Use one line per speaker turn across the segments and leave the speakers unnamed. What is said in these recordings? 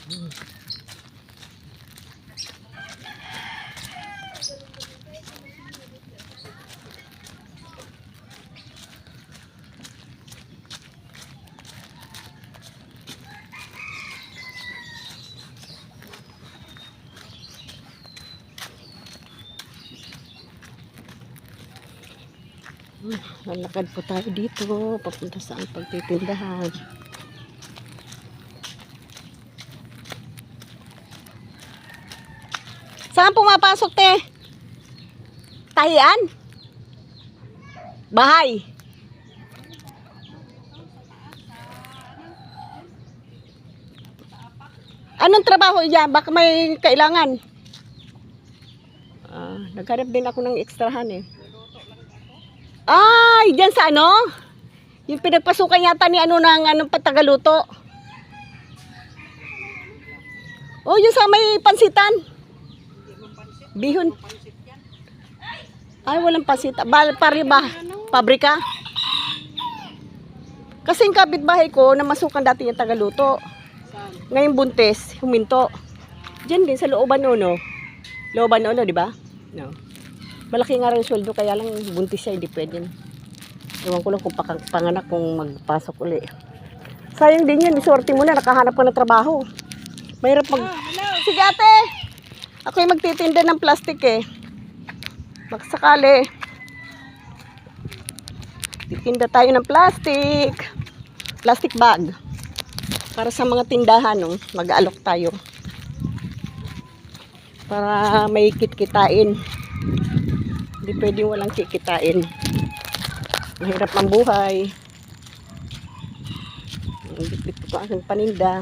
Lalakad po tayo dito papunta sa ang pagtitindahan. Saan pumapasok, te? Tahian? Bahay? Anong trabaho yan? Baka may kailangan. Naghanap din ako ng ekstrahan eh. Ay, dyan sa ano? Yung pinagpasukan yata ni ano ng anong patagaluto. Oh, yung sa may pansitan. Bihon. Ay, walang pansit. Pariba. Pabrika. Kasi yung kapitbahay ko, namasukan dati yung tagaluto. Ngayong buntis, huminto. Diyan din sa looban no. Looban no, di ba? No. Malaki nga rin sweldo, kaya lang buntis siya, hindi pwede. Ewan ko lang kung panganak kung magpasok uli. Sayang din yun, isorti mo na, nakahanap ka ng trabaho. Mahirap mag... Sige ate! Ako yung magtitinda ng plastic eh. Magsakali. Titinda tayo ng plastic. Plastic bag. Para sa mga tindahan, no? Mag-aalok tayo. Para may kit-kitain. Hindi pwedeng walang kikitain. Mahirap ang buhay. Bit-bit ko aking paninda.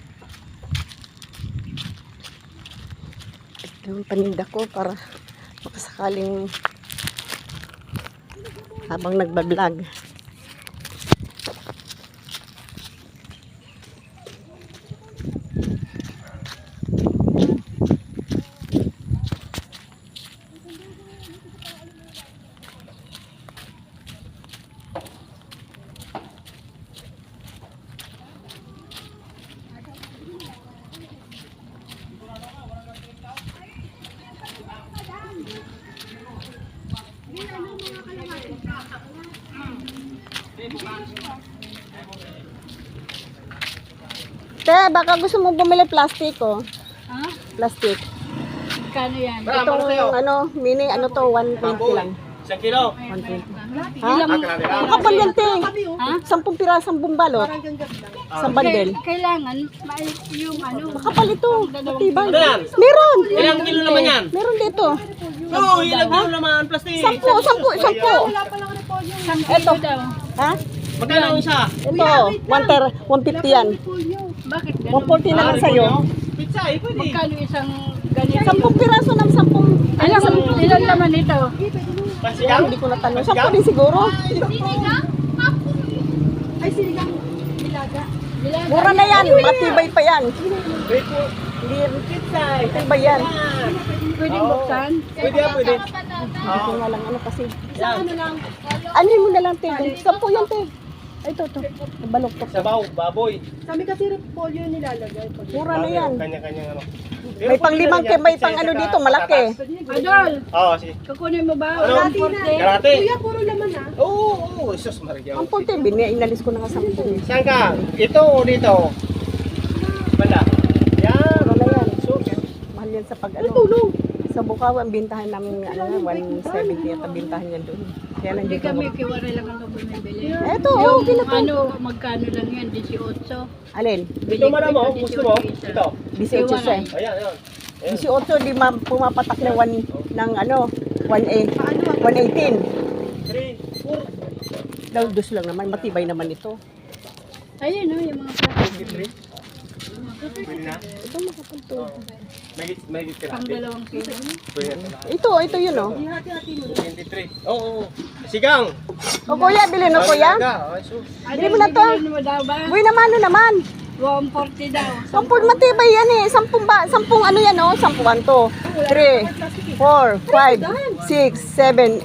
Ito yung paninda ko para makasakaling habang nagbablog. Te, baka gusto mo bumili plastic oh.
Ha?
Plastic.
Kano yan?
Itong ano, mini ano to, 120 lang.
1 kilo.
120.
Ilang,
Ang kapal yan, te.
ha?
10 pirasang bumbalot. Sa bandel.
Kailangan, yung ano,
Makapal ito. Matibay.
Ano yan?
Meron.
Ilang kilo naman yan?
Meron dito.
Oo, ilang kilo naman plastic.
10.
Ito daw.
Ha?
Magkano ang isa?
Ito, 150 yan.
Bakit ganun?
140 na lang sa'yo.
Pizza, pwede.
Magkano isang ganito?
10 piraso ng 10.
Ilang naman ito?
Pasigaw?
Hindi ko natanong. 10 din siguro.
Ay, sinigang. Bilaga.
Mura na yan. Matibay pa yan.
Wait po.
Hindi
Pizza,
matibay yan.
Pwede buksan?
Pwede yan, pwede.
Hindi ko nga lang ano kasi.
Yan.
Ano mo na lang, te. 10 yan, te. Ay, ito. Nabaloktok.
Sabaw, baboy.
Kami kasi repolyo nilalagay.
Mura na yan.
Kanya-kanyang ano.
May pang limang may pang ano dito, malaki.
Adol,
Oo, sige.
kukunin mo ba?
Ano? Karate.
Kuya, puro laman ha.
Oo, Sus Maria.
Ang punti, inalis ko na nga 10.
Saan ka? Ito o dito? Banda. Yan.
Mura na yan. Mahal yan sa pag ano. Sa Bukaw, ang bintahan namin ano, 170 at ang bintahan yan doon. Kaya
Hindi
nandito
kami
ako.
kiwari lang ang bumibili.
Eto,
Yung
pinaka.
ano, magkano lang yan? 18.
Alin?
Ito madam mo, gusto mo? Ito.
18 siya.
Ayan, ayan.
18, di pumapatak na 1 ng ano, 118.
3, 4.
Daw, dos lang naman, matibay naman ito.
Ayun o, yung mga plastic.
Pwede na?
Ito makapalto.
May tira.
Pang 2 kilo.
Pwede na.
Ito yun oh.
23. Oo. Sigang.
O kuya, bilhin o kuya. Bili mo na to.
Bili mo daw ba?
Uy naman, ano naman.
140 daw.
Sampung matibay yan eh. Sampung ano yan oh. 10 to. 3, 4, 5, 6, 7,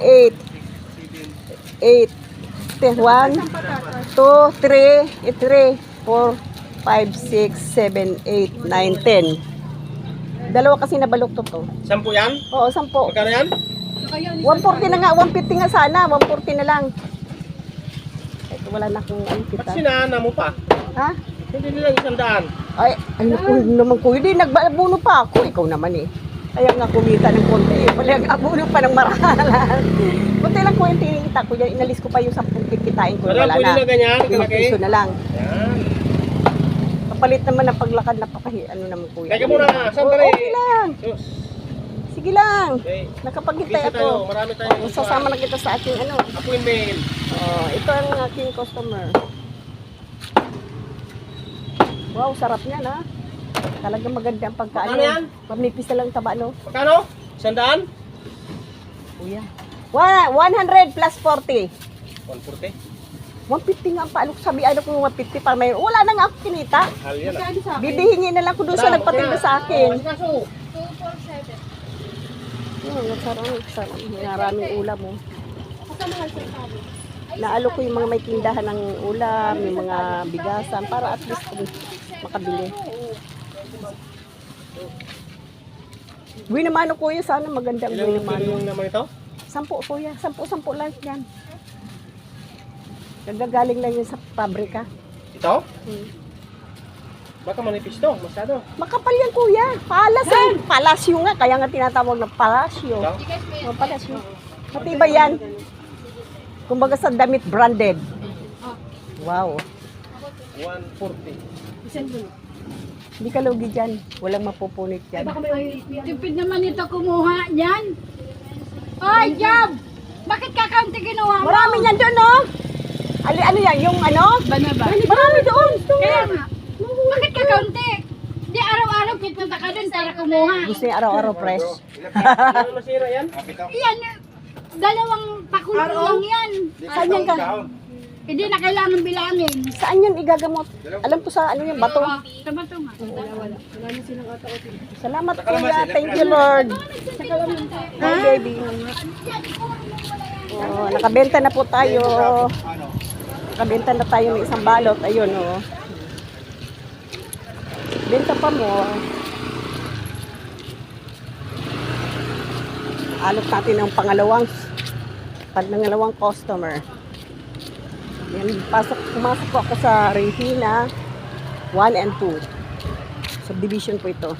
8, 8, 1, 2, 3, 4, 5, 6, 7, 8, 9, 10. Dalawa kasi nabaluktot to.
10 yan?
Oo, 10.
Magkano yan?
140 na nga, 150 nga sana, 140 na lang. Ito wala na akong
Ba't
kita.
sinana mo pa?
Ha?
Hindi nilang 100.
Ay, ano ko naman ko, hindi, nagbabuno pa ako. Ikaw naman eh. Kaya nga kumita ng konti. Wala nag-abuno pa ng marahalan. Kunti lang ko yung tinita ko yan. Inalis ko pa yung 10 kikitain ko.
Wala,
Wala
pwede
na.
na ganyan,
5
kalaki.
piso na lang.
Yan.
Kapalit naman ng paglakad na ano naman ko yan.
Teka muna, sandali.
Okay lang.
Sus.
Sige lang.
Okay.
Nakapaghintay
Busy tayo.
ako.
Marami tayong
Sasama na kita sa aking ano.
appointment.
Oh, ito ang aking customer. Wow, sarap niyan ha. Talagang maganda ang pagkaano.
Ano yan?
Pamipis na lang taba no.
Magkano? 100?
Kuya. 100 plus 40.
140.
150 nga ang paalok. Sabi ano kung 150 para may wala na nga ako kinita.
Hal yan ah.
Bibihingin na lang ko doon sa nagpatinda sa akin.
Kaso.
Sarap. Maraming ulam mo. Naalo ko yung mga may tindahan ng ulam, yung mga bigasan para at least makabili. Buwi naman ako kuya, sana maganda ang buwi
Ilang
naman.
kilo yung naman ito?
10 kuya, 10 lang yan. Nagagaling lang yun sa pabrika.
Ito? Baka manipis to, masyado.
Makapal yan kuya, palasyo nga, kaya nga tinatawag na palasyo.
Ito?
Oh, palasyo. Matibay yan. Kumbaga sa damit branded. Wow.
140.
Hindi ka lugi dyan. Walang mapupunit dyan.
Tipid naman ito kumuha niyan. Ay, Jab! Bakit kakaunti kinuha mo?
Marami yan doon, no? Ano yan? Yung ano?
Bana ba?
Marami doon.
Kaya nga. Bakit kakaunti? Di araw-araw pupunta ka dun para kumuha.
Gusto niya araw-araw fresh.
Ano masira yan?
Yan, dalawang pakulo lang yan.
Saan yan ka?
Hindi na kailangan bilangin.
Saan yan igagamot? Alam ko sa ano yung bato.
Tama to nga.
Salamat kuya. Thank you Lord. Hi baby. Oh, nakabenta na po tayo. Nakabenta na tayo ng isang balot. Ayun oh. Benta pa mo. Alok natin ang pangalawang customer. Yan, pumasok po ako sa Regina 1 and 2. Subdivision po ito.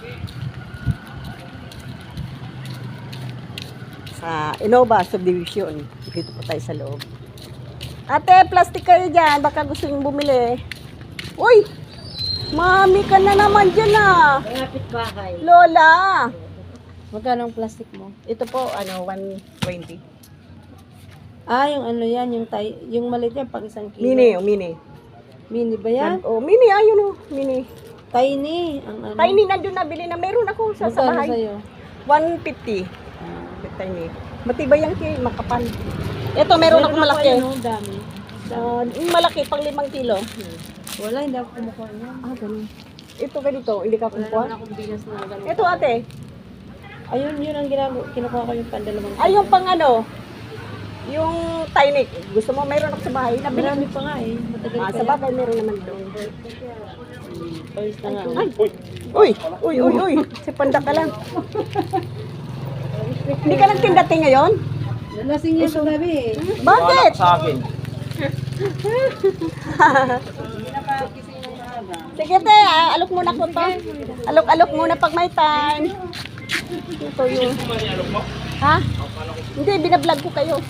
Sa Innova Subdivision. Dito po tayo sa loob. Ate, plastic kayo dyan. Baka gusto nyo bumili. Uy! Mami ka na naman dyan ah.
Kapit bahay.
Lola!
Magkano ang plastic mo?
Ito po, 120.
Ah, yung ano yan, yung maliit yan, pang 1 kilo.
Mini, oh, mini.
Mini ba yan?
Oh, mini, ayun oh, mini.
Tiny. Ang ano.
Tiny nandun nabili na. Meron ako sa
Magkano
bahay.
sa'yo?
150. Tiny. Matibay yan kay makapal. Ito, meron ako malaki.
Ano, dami.
Yung malaki, pang 5 kilo.
Wala, hindi ako kumukuha niya.
Ah, ganun. Ito ganito, hindi ka
Wala naman
kumukuha.
akong bigas na gano'n.
Ito ate,
Ayun, yun ang kinukuha ko yung pandalawang.
ay yung pang ano, yung tiny. Gusto mo, meron ako sa bahay. Nabili.
Marami pa nga eh. Matagal
Ah,
pa
sa bagay, meron naman doon.
Pawis na nga.
Ay, uy. Si Panda ka lang. Hindi ka nagtindati ngayon?
Nalasing niya sa gabi eh.
Bakit?
Sa akin.
Sige te, alok muna ko to. Alok muna pag may time. Ito yung... Ha? Hindi, binablog ko kayo.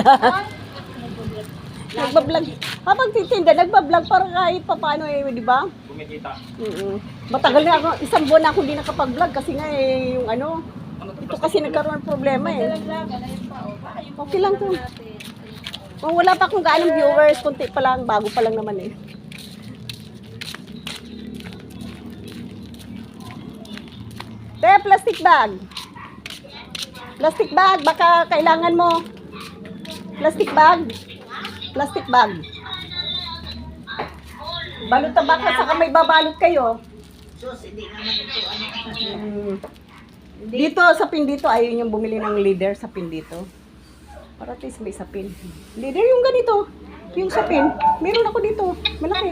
Nagbablog. Habang titinda, nagbablog para kahit paano eh, di ba?
Kumikita.
Matagal na ako, 1 buwan na ako hindi nakapag-vlog kasi nga eh, yung ano, ito kasi nagkaroon ng problema eh. Okay lang to. Kung wala pa akong gaanong viewers, kunti pa lang, bago pa lang naman eh. Te, plastic bag. Plastic bag, baka kailangan mo. Plastic bag. Plastic bag. Balot na baka saka may babalot kayo. Dito, sa pin dito, ayaw niyong bumili ng leader sa pin dito. Para at least may sa pin. Leader yung ganito. Yung sa pin. Meron ako dito. Malaki.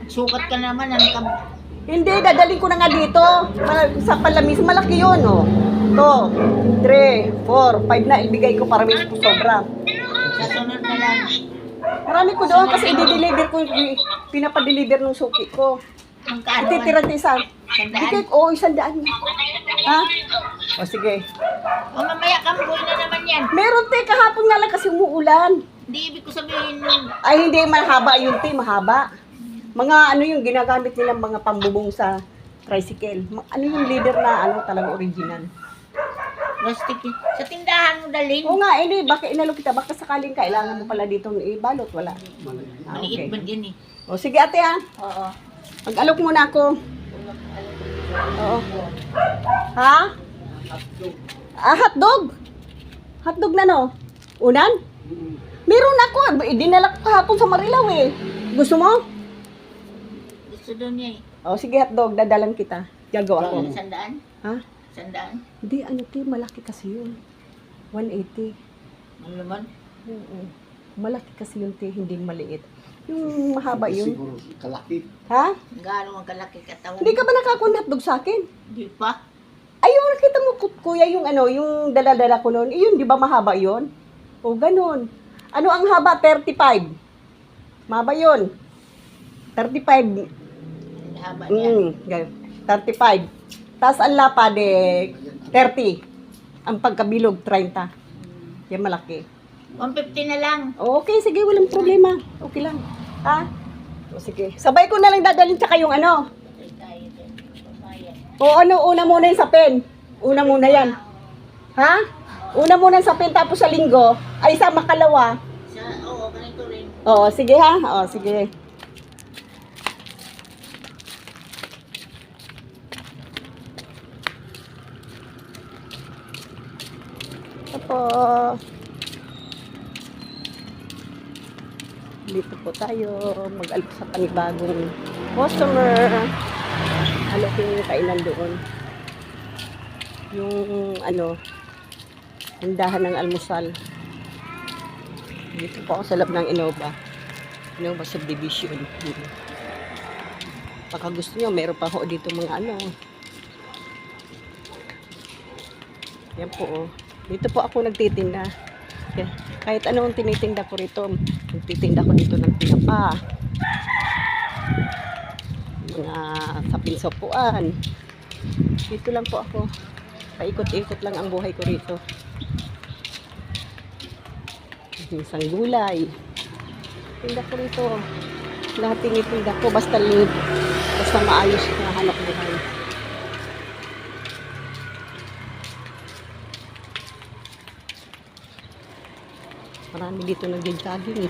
Sukat ka naman, ano ka?
Hindi, dadaling ko na nga dito. Sa palamis, malaki yun, oh. 2, 3, 4, 5 na ibigay ko para may sobra.
Sa sunod na lang.
Marami ko doon kasi i-deliver ko, pinapadeliver ng suki ko.
Magkano man?
Ititira isa.
Sandaan?
Bigay ko, 100. Ha? O sige.
O mamaya kamboy na naman yan.
Meron te, kahapon nga lang kasi umuulan.
Hindi ibig ko sabihin,
Ay, hindi, mahaba yun te, mahaba. Mga ano yung ginagamit nilang mga pambubong sa tricycle. Ano yung leader na ano talagang original.
plastic eh. Sa tindahan mo dalhin.
Oo nga, hindi, baka inalo kita, baka sakaling kailangan mo pala dito ibalot, wala. Ah,
Maliit
okay.
ba yan eh?
O sige ate ha,
Oo.
mag-alok muna ako. Oo. Ha? Hotdog? Hotdog na no? Unan? Meron ako, dinala ko kahapon sa Marilaw eh. Gusto mo?
Gusto doon niya eh.
O sige hotdog, dadalan kita. Gagawa ko.
Sandaan?
Ha?
Sandaan?
Hindi, ano ti, malaki kasi yun. 180.
Ano naman?
Oo. Malaki kasi yun ti, hindi maliit. Yung mahaba yun.
Siguro kalaki.
Ha?
Gaano ang kalaki katawan?
Hindi ka ba nakakuha hotdog sa akin?
Hindi pa.
Ayun, nakita mo, kuya, yung ano, yung dala-dala ko noon. Yun, di ba mahaba yun? O, ganun. Ano ang haba? 35. Mahaba yun. 35.
Ang haba niya.
Ganun. 35. Tapos ang lapad, 30. Ang pagkabilog, 30. Yan malaki.
150 na lang.
Okay, sige, walang problema. Okay lang. Ha? O, sige. Sabay ko na lang dadalhin tsaka yung ano.
Patay tayo din. Pamayan.
O ano, una muna yung sa pen. Una muna yan. Ha? Una muna sa pen, tapos sa linggo, ay sa makalawa.
Oo, ganito rin.
Oo, sige ha? Oo, sige. Tapos, dito po tayo mag-alok sa panibagong customer. Alokin yung kainan doon. Yung ano, tindahan ng almusal. Dito po ako sa loob ng Innova Subdivision. Baka gusto nyo, meron pa ho dito mga ano. Yan po oh. Dito po ako nagtitinda. Okay. Kahit anong tinitinda ko rito, nagtitinda ko dito ng tinapa. Mga sapin-sopuan. Dito lang po ako. Paikot-ikot lang ang buhay ko rito. Isang gulay. Tinda ko rito. Lahat tinitinda ko basta maayos na hanap buhay. Marami dito nag-jogging eh.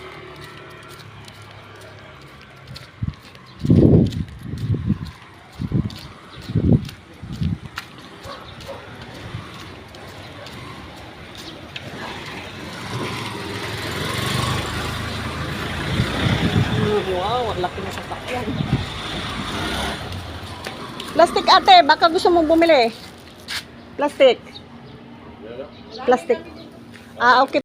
Wow, ang laki na sasakyan. Plastic ate, baka gusto mong bumili. Plastic. Plastic. Ah, okay.